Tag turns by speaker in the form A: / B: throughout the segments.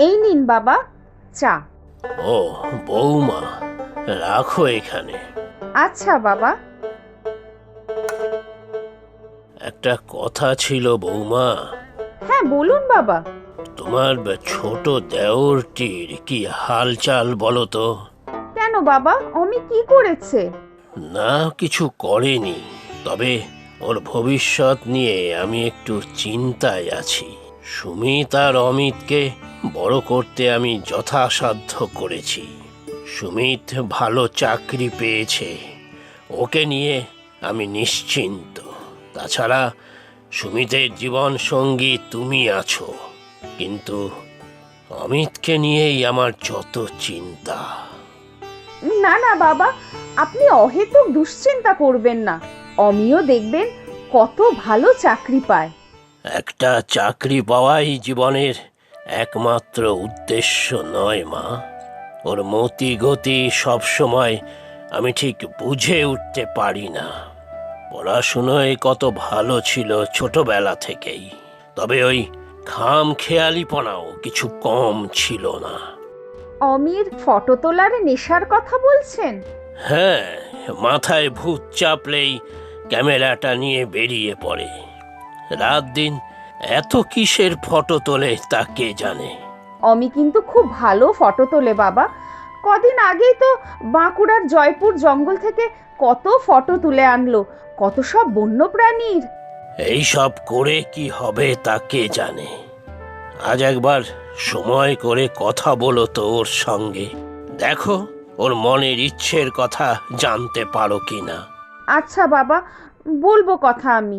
A: এই নিন বাবা চা।
B: ও বৌমা, রাখো এখানে।
A: আচ্ছা বাবা।
B: একটা কথা ছিল বৌমা।
A: হ্যাঁ বলুন বাবা।
B: তোমার ছোট দেওরটির কি হালচাল বলো তো?
A: কেন বাবা, অমি কি করেছে?
B: না, কিছু করেনি, তবে ওর ভবিষ্যৎ নিয়ে আমি একটু চিন্তায় আছি। সুমিত আর অমিতকে বড় করতে আমি যথাসাধ্য করেছি। সুমিত ভালো চাকরি পেয়েছে, ওকে নিয়ে আমি নিশ্চিন্ত। তাছাড়া সুমিতের জীবন সঙ্গী তুমি আছো, কিন্তু অমিতকে নিয়েই আমার যত চিন্তা।
A: না না বাবা, আপনি অহেতুক দুশ্চিন্তা করবেন না। অমিও দেখবেন কত ভালো চাকরি পায়।
B: একটা চাকরি পাওয়াই জীবনের একমাত্র উদ্দেশ্য নয় মা। ওর মতি গতি সবসময় আমি ঠিক বুঝে উঠতে পারি না। পড়াশুনোয় কত ভালো ছিল ছোটবেলা থেকেই, তবে ওই খাম খেয়ালিপনাও কিছু কম ছিল না।
A: অমির ফটো তোলার নেশার কথা বলছেন?
B: হ্যাঁ, মাথায় ভূত চাপলেই ক্যামেরাটা নিয়ে বেরিয়ে পড়ে। রাত দিন এত কিসের ফটো তোলে তা কে জানে।
A: অমি কিন্তু খুব ভালো ফটো তোলে বাবা। কদিন আগেই তো বাঁকুড়ার জয়পুর জঙ্গল থেকে কত ফটো তুলে আনলো, কত সব বন্যপ্রাণীর।
B: এই সব করে কি হবে তা কে জানে। আজ একবার সময় করে কথা বলো তো ওর সঙ্গে, দেখো ওর মনের ইচ্ছের কথা জানতে পারো কিনা।
A: আচ্ছা বাবা, বলবো কথা আমি।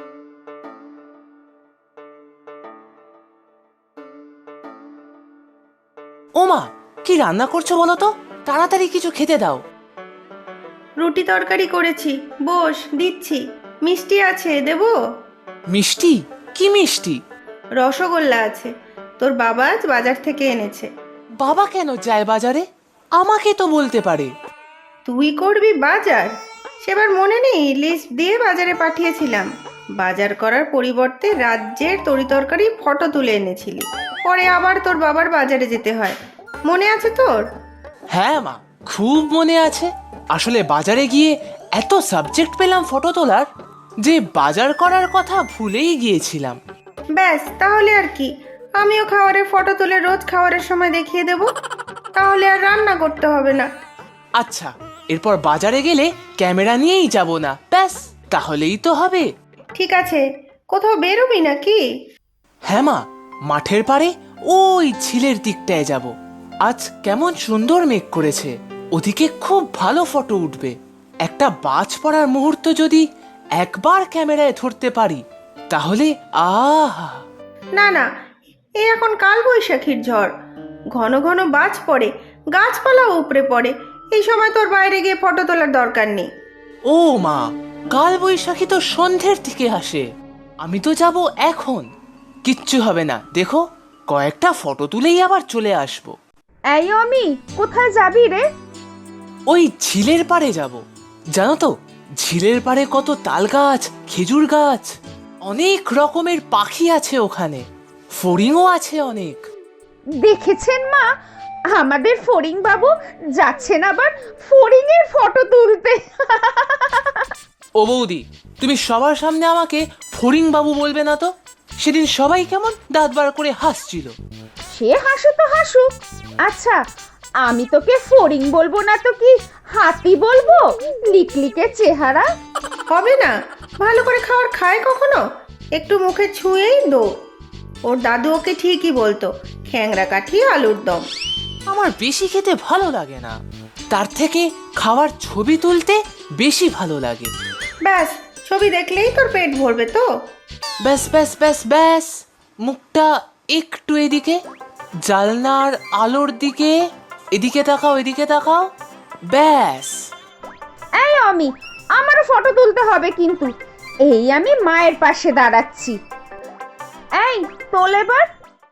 C: ওমা, কি রান্না করছো বলো তো? তাড়াতাড়ি কিছু খেতে দাও।
D: রুটি তরকারি করেছি, বস দিচ্ছি। মিষ্টি আছে, দেবো?
C: মিষ্টি? কি মিষ্টি?
D: রসগোল্লা আছে, তোর বাবা আজ বাজার থেকে এনেছে।
C: বাবা কেন যায় বাজারে? আমাকে তো বলতে পারে।
D: তুই করবি বাজার? সেবার মনে নেই লিস্ট দিয়ে বাজারে পাঠিয়েছিলাম। বাজার করার পরিবর্তে রাজ্যের তরিতরকারি ফটো তুলে এনেছিলি, পরে আবার তোর বাবার বাজারে যেতে হয়। মনে আছে তোর?
C: হ্যাঁ মা, খুব মনে আছে। আসলে বাজারে গিয়ে এত সাবজেক্ট পেলাম ফটো তোলার যে বাজার করার কথা ভুলেই গিয়েছিলাম।
D: ব্যাস, তাহলে আর কি, আমিও খাবারের ফটো তুলে রোজ খাবারের সময় দেখিয়ে দেব, তাহলে আর রান্না করতে হবে না।
C: আচ্ছা, এরপর বাজারে গেলে ক্যামেরা নিয়েই যাব না, ব্যাস তাহলেই তো হবে।
D: ঠিক আছে, কোথাও বেরোবি নাকি?
C: হ্যাঁ মা, মাঠের পাড়ে ওই ঝিলের দিকটায় যাব। আজ কেমন সুন্দর মেঘ করেছে, ওদিকে খুব ভালো ফটো উঠবে। একটা বাজ পড়ার মুহূর্ত যদি একবার ক্যামেরায় ধরতে পারি তাহলে আহা।
D: না না, এই এখন কাল বৈশাখীর ঝড়, ঘন ঘন বাজ পড়ে, গাছপালাও উপড়ে পড়ে। এই সময় তোর বাইরে গিয়ে ফটো তোলার দরকার নেই।
C: ও মা, কাল বৈশাখী তো সন্ধ্যের দিকে আসে, আমি তো যাব এখন। কিচ্ছু হবে না, দেখো কয়েকটা ফটো তুলেই আবার চলে আসবো।
A: এই অমি, কোথায় যাবি রে?
C: ওই ঝিলের পাড়ে যাব। জানো তো, ঝিলের পাড়ে কত তাল গাছ, খেজুর গাছ, অনেক রকমের পাখি আছে ওখানে, ফড়িংও আছে অনেক।
A: দেখেছেন মা, আমাদের ফড়িং বাবু যাচ্ছেন আবার ফড়িং এর ফটো তুলতে।
C: ও বৌদি, তুমি সবার সামনে আমাকে ফড়িং বাবু বলবে না তো। সেদিন সবাই কেমন দাঁত বার করে হাসছিল।
A: সে হাসু তো হাসুক। আচ্ছা, আমি তোকে ফড়িং বলবো না তো কি হাতি বলবো? লিকলিকে চেহারা।
D: হবে না, ভালো করে খাবার খায় কখনো? একটু মুখে ছুঁয়েই দো। ওর দাদু ওকে ঠিকই বলতো, খ্যাংরা কাঠি আলুর দম।
C: আমার বেশি খেতে ভালো লাগে না, তার থেকে খাওয়ার ছবি তুলতে বেশি ভালো লাগে।
D: ব্যাস, ছবি দেখলেই তোর পেট ভরবে তো।
C: ব্যাস ব্যাস ব্যাস ব্যাস, মুখটা একটু এদিকে, জানলার আলোর দিকে, এদিকে তাকাও এদিকে তাকাও, ব্যাস।
A: এই অমি, আমারও ফটো তুলতে হবে কিন্তু। এই আমি মায়ের পাশে দাঁড়াচ্ছি। এই তোল এবার।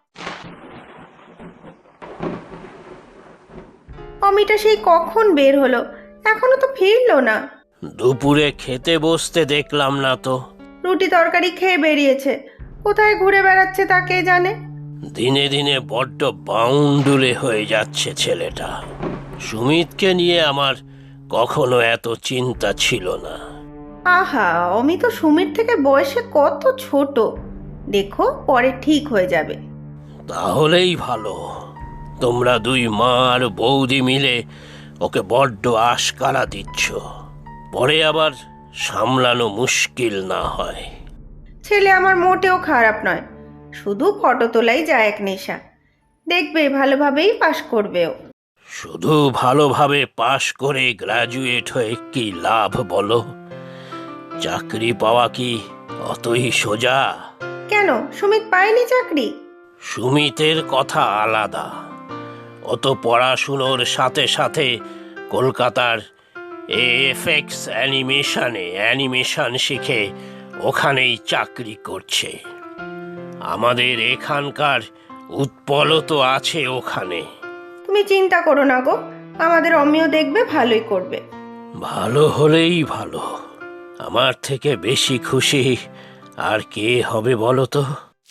D: অমিটা সেই কখন বের হলো, এখনো তো ফিরলো না।
B: দুপুরে খেতে বসতে দেখলাম না তো।
D: রুটি তরকারি খেয়ে বেরিয়েছে, কোথায় ঘুরে বেড়াচ্ছে তা কে জানে।
B: দিনে দিনে বড্ড বাউন্ডুলে হয়ে যাচ্ছে ছেলেটা। সুমিতকে নিয়ে আমার কখনো এত চিন্তা ছিল না।
D: আহা, অমি তো সুমির থেকে বয়সে কত ছোট। দেখো, পরে ঠিক হয়ে যাবে।
B: তাহলেই ভালো। তোমরা দুই মা আর বৌদি মিলে ওকে বড্ড আশকারা দিচ্ছ, পরে আবার সামলানো মুশকিল না হয়।
D: ছেলে আমার মোটেও খারাপ নয়, শুধু ফটো তোলাই যায় এক নেশা। দেখবে ভালোভাবেই পাশ করবে ও।
B: শুধু ভালোভাবে পাশ করে গ্র্যাজুয়েট হয়ে কি লাভ বলো? চাকরি পাওয়া কি অতই সোজা?
D: কেন, সুমিত পায়নি চাকরি?
B: সুমিতের কথা আলাদা। অত পড়াশুনোর সাথে সাথে কলকাতার এএফএক্স অ্যানিমেশন শিখে ওখানেই চাকরি করছে। আমাদের এখানকার উৎপলও তো আছে ওখানে।
D: তুমি চিন্তা করো না গো, আমাদের অমিও দেখবে ভালোই করবে।
B: ভালো হলেই ভালো। আমার থেকে বেশি খুশি আর কে হবে বলো তো?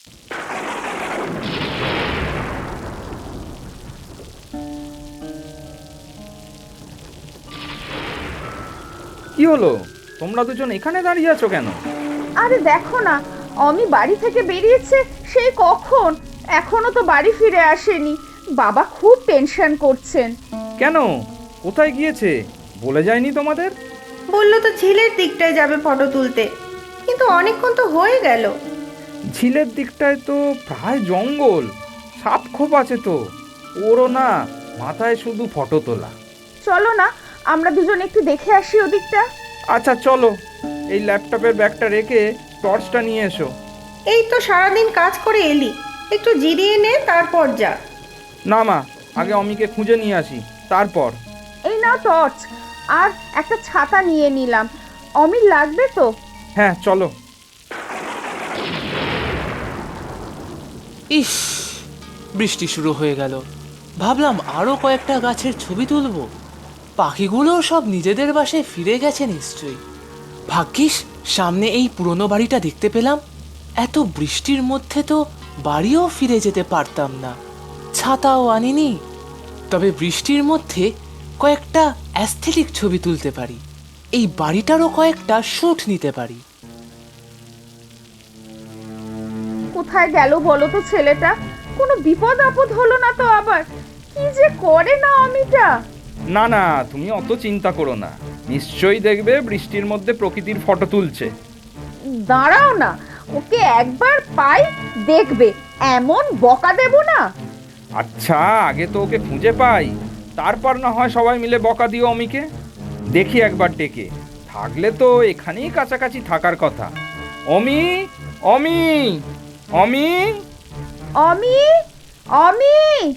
E: কি হলো, তোমরা দুজন এখানে দাঁড়িয়ে আছো কেন?
A: আরে দেখো না, অমি বাড়ি থেকে বেরিয়েছে সেই কখন, এখনো তো বাড়ি ফিরে আসেনি। বাবা খুব টেনশন করছেন।
E: কেন, কোথায় গিয়েছে বলে যায়নি তোমাদের?
D: বললো তো ঝিলের দিকটায় যাবে ফটো তুলতে, কিন্তু অনেকক্ষণ তো হয়ে গেল।
E: ঝিলের দিকটায় তো প্রায় জঙ্গল, সাপ খোপ আছে তো। ওরও না মাথায় শুধু ফটো তোলা।
A: চলো না, আমরা দুজন একটু দেখে আসি ওদিকটা।
E: আচ্ছা চলো, এই ল্যাপটপের ব্যাগটা রেখে টর্চটা নিয়ে এসো।
D: এই তো সারাদিন কাজ করে এলি, একটু জিরিয়ে নে, তারপর যা।
E: না মা, আগে অমিকে খুঁজে নিয়ে আসি তারপর।
A: এই নাও টর্চ, আর একটা ছাতা নিয়ে নিলাম। অমির লাগবে তো?
E: হ্যাঁ চলো।
C: ইস, বৃষ্টি শুরু হয়ে গেল। ভাবলাম আরো কয়েকটা গাছের ছবি তুলবো। পাখিগুলো সব নিজেদের বাসায় ফিরে গেছে নিশ্চয়ই। ভাগ্যিস সামনে এই পুরনো বাড়িটা দেখতে পেলাম। এত বৃষ্টির মধ্যে তো বাড়িও ফিরে যেতে পারতাম না, ছাতাও আনিনি। তবে বৃষ্টির মধ্যে কয়েকটা অ্যাস্থেটিক ছবি তুলতে পারি, এই বাড়িটারও কয়েকটা শ্যুট নিতে পারি।
A: কোথায় গেল বলো তো ছেলেটা? কোনো বিপদ আপদ হলো না তো আবার? কি যে করে না অমিটা।
E: না না, তুমি অত চিন্তা করো না, নিশ্চয়ই দেখবে বৃষ্টির মধ্যে প্রকৃতির ফটো তুলছে।
A: দাঁড়াও না, ওকে একবার পাই, দেখবে এমন বকা দেব না।
E: আচ্ছা, আগে তো ওকে খুঁজে পাই, তারপর না হয় সবাই মিলে বকা দিও অমিকে। দেখি একবার ডেকে, থাকলে তো এখানেই কাছাকাছি থাকার কথা। অমি, অমি, অমি।
A: অমি, অমি।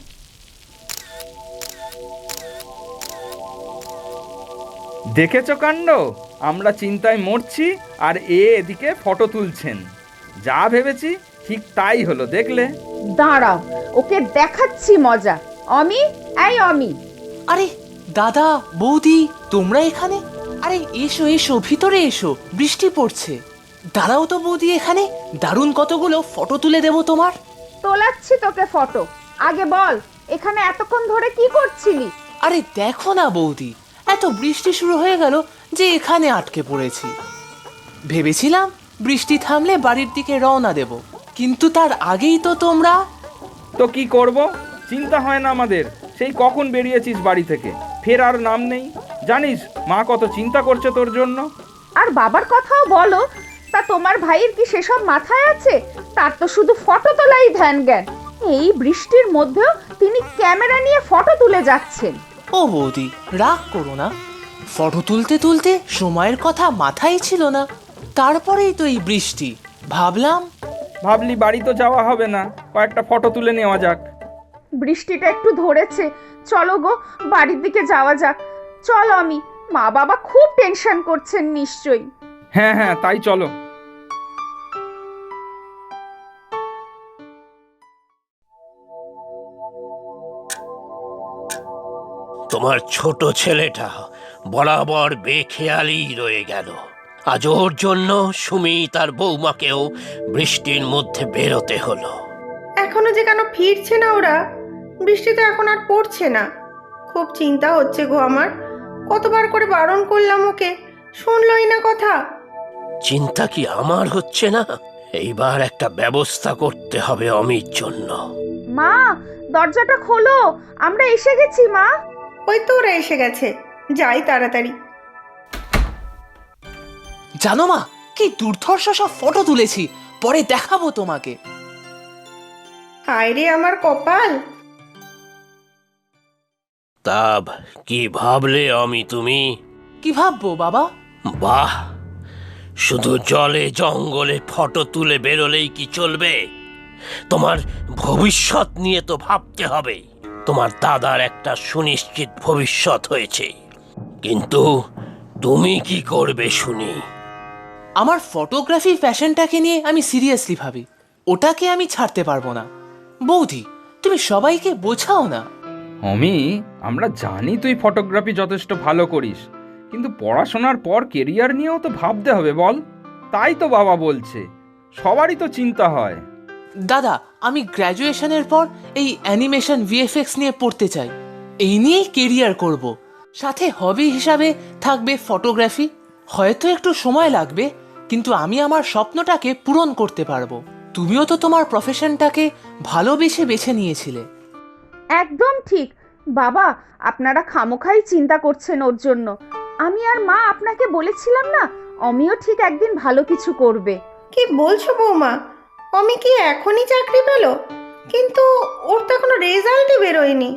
E: দেখেছো কাণ্ড, আমরা চিন্তায় মরছি আর এদিকে ফটো তুলছেন। যা ভেবেছি ঠিক তাই হলো, দেখলে?
A: দাঁড়াও, ওকে দেখাচ্ছি মজা। অমি, এই অমি।
C: আরে দাদা, বৌদি, তোমরা এখানে? আরে এসো এসো, ভিতরে এসো, বৃষ্টি পড়ছে। দাঁড়াও তো বৌদি, এখানে দারুণ কতগুলো ফটো তুলে দেবো তোমার।
A: তোলাচ্ছি তোকে ফটো। আগে বল, এখানে এতক্ষণ ধরে কি করছিলি?
C: আরে দেখো না বৌদি, এত বৃষ্টি শুরু হয়ে গেল যে এখানে আটকে পড়েছি। ভেবেছিলাম বৃষ্টি থামলে বাড়ির দিকে রওনা দেব, কিন্তু তার আগেই তো তোমরা।
E: তো কি করব, চিন্তা হয় না আমাদের? সেই কখন বেরিয়েছিস বাড়ি থেকে, ফের আর নাম নেই। জানিস মা কত চিন্তা করছে তোর জন্য।
A: আর বাবার কথাও বলো। তা তোমার ভাইয়ের কি সেসব মাথায় আছে? তার তো শুধু ফটো তোলাই ধ্যান জ্ঞান। এই বৃষ্টির মধ্যেও তিনি ক্যামেরা নিয়ে ফটো তুলে যাচ্ছেন।
C: ও বৌদি, রাগ করো না। ফটো তুলতে তুলতে সময়ের কথা মাথায় ছিল না, তারপরেই তো এই বৃষ্টি। ভাবলি
E: বাড়ি তো যাওয়া হবে না, কয়েকটা ফটো তুলে নেওয়া যাক।
A: বৃষ্টিটা একটু ধরেছে, চলো গো বাড়ির দিকে যাওয়া যাক। চল অমি, মা বাবা খুব টেনশন করছেন নিশ্চয়ই।
E: হ্যাঁ হ্যাঁ, তাই চলো।
B: তোমার ছোট ছেলেটা বরাবর বেখেয়ালি রয়ে গেল। আজ ওর জন্য সুমি তার বৌমাকেও বৃষ্টির মধ্যে বেরোতে হলো।
D: এখন এখনো যে কেন ফিরছে না ওরা? বৃষ্টি তো এখন আর পড়ছে না। খুব চিন্তা হচ্ছে গো আমার। কতবার করে বারণ করলাম ওকে, শুনলই না কথা।
B: চিন্তা কি আমার হচ্ছে না? এইবার একটা ব্যবস্থা করতে হবে অমির জন্য।
A: মা, দরজাটা খোলো, আমরা এসে গেছি মা।
D: ওই তো ওরা এসে গেছে, যাই তাড়াতাড়ি।
C: জানো মা, কি দুর্ধর্ষ সব ফটো তুলেছি, পরে দেখাবো তোমাকে।
D: হায় রে আমার কপাল।
B: তা কি ভাবলে অমি তুমি?
C: কি ভাববো বাবা?
B: বাহ, শুধু জলে জঙ্গলে ফটো তুলে বেরোলেই কি চলবে? তোমার ভবিষ্যৎ নিয়ে তো ভাবতে হবে। তোমার দাদার একটা সুনিশ্চিত ভবিষ্যৎ হয়েছে, কিন্তু তুমি কি করবে শুনি?
C: আমার ফটোগ্রাফি ফ্যাশনটাকে নিয়ে আমি সিরিয়াসলি ভাবি, ওটাকে আমি ছাড়তে পারবো না। বৌদি, তুমি সবাইকে বোঝাও না।
E: অমি, আমরা জানি তুই ফটোগ্রাফি যথেষ্ট ভালো করিস, কিন্তু পড়াশোনার পর কেরিয়ার নিয়েও তো ভাবতে হবে বল। তাই তো বাবা বলছে, সবারই তো চিন্তা হয়।
C: দাদা, আমি গ্র্যাজুয়েশনের পর এই অ্যানিমেশন ভিএফএক্স নিয়ে পড়তে চাই। এই নিয়েই কেরিয়ার করব। সাথে হবি হিসাবে থাকবে ফটোগ্রাফি। হয়তো একটু সময় লাগবে, কিন্তু আমি আমার স্বপ্নটাকে পূরণ করতে পারবো। তুমিও তো তোমার প্রফেশনটাকে ভালোবেসে বেছে নিয়েছিলে।
A: একদম ঠিক বাবা, আপনারা খামোখাই চিন্তা করছেন ওর জন্য। আমি আর মা আপনাকে বলেছিলাম না, অমিও ঠিক একদিন ভালো কিছু করবে।
D: কি বলছো বৌমা? অমি কি এখনই চাকরি পেল? কিন্তু ওর তো এখনো রেজাল্টই বেরোয়নি।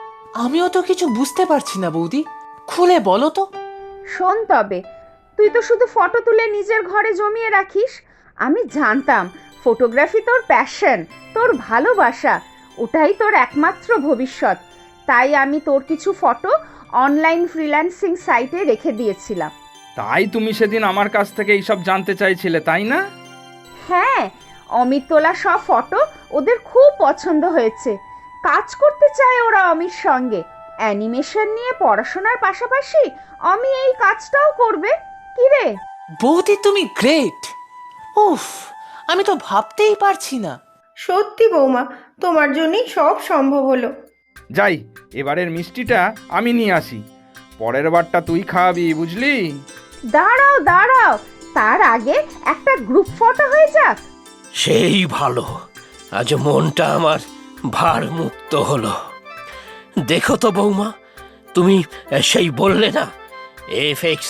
C: আমিও তো কিছু বুঝতে পারছি না বৌদি, খুলে বলো তো।
A: শোন তবে, তুই তো শুধু ফটো তুলে নিজের ঘরে জমিয়ে রাখিস। আমি জানতাম ফটোগ্রাফি তোর প্যাশন, তোর ভালোবাসা, ওটাই তোর একমাত্র ভবিষ্যৎ। তাই আমি তোর কিছু ফটো অনলাইন ফ্রিল্যান্সিং সাইটে রেখে দিয়েছিলাম।
E: তাই তুমি সেদিন আমার কাছ থেকে এইসব জানতে চাইছিলে, তাই না?
A: হ্যাঁ, অমিত তোলা সব ফটো ওদের খুব পছন্দ হয়েছে। কাজ করতে চায় ওরা অমির সঙ্গে। অ্যানিমেশন নিয়ে পড়াশোনার পাশাপাশি অমি এই কাজটাও করবে। কি রে?
C: বৌদি, তুমি গ্রেট। উফ, আমি তো ভাবতেই পারছি না।
D: সত্যি বৌমা, তোমার জন্যই সব সম্ভব হলো।
E: যাই, এবারের মিষ্টিটা আমি নিয়ে আসি, পরের বারটা তুই খাওয়াবি, বুঝলি?
A: দাঁড়াও দাঁড়াও, তার আগে একটা গ্রুপ ফটো হয়ে যাক।
B: সেই ভালো, আজ মনটা আমার ভার মুক্ত হলো। দেখো তো বৌমা, তুমি সেই বললে না এফএক্স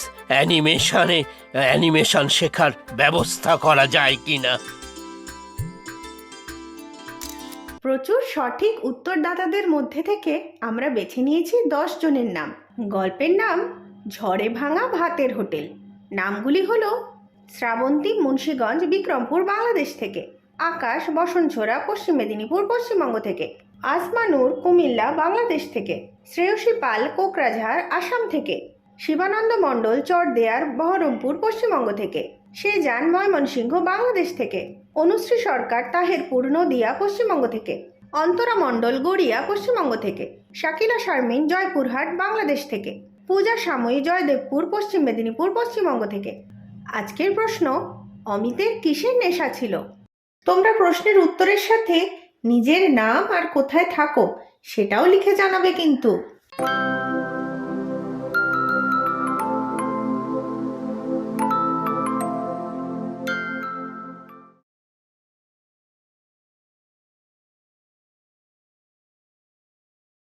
B: অ্যানিমেশন শেখার ব্যবস্থা করা যায় কিনা?
D: প্রচুর সঠিক উত্তরদাতাদের মধ্যে থেকে আমরা বেছে নিয়েছি 10 জনের নাম। গল্পের নাম ঝড়ে ভাঙা ভাতের হোটেল। নামগুলি হলো শ্রাবন্তী মুন্সীগঞ্জ বিক্রমপুর বাংলাদেশ থেকে, আকাশ বসনছোড়া পশ্চিম মেদিনীপুর পশ্চিমবঙ্গ থেকে, আসমানুর কুমিল্লা বাংলাদেশ থেকে, শ্রেয়সী পাল কোকরাঝাড় আসাম থেকে, শিবানন্দ মণ্ডল চরদেয়ার বহরমপুর পশ্চিমবঙ্গ থেকে, সেজান ময়মনসিংহ বাংলাদেশ থেকে, অনুশ্রী সরকার তাহেরপুর নদিয়া পশ্চিমবঙ্গ থেকে, অন্তরা মণ্ডল গড়িয়া পশ্চিমবঙ্গ থেকে, শাকিলা শারমিন জয়পুরহাট বাংলাদেশ থেকে, পূজা সাময়ী জয়দেবপুর পশ্চিম মেদিনীপুর পশ্চিমবঙ্গ থেকে। আজকের প্রশ্ন, অমিতের কিসের নেশা ছিল? তোমরা প্রশ্নের উত্তরের সাথে নিজের নাম আর কোথায় থাকো সেটাও লিখে জানাবে কিন্তু।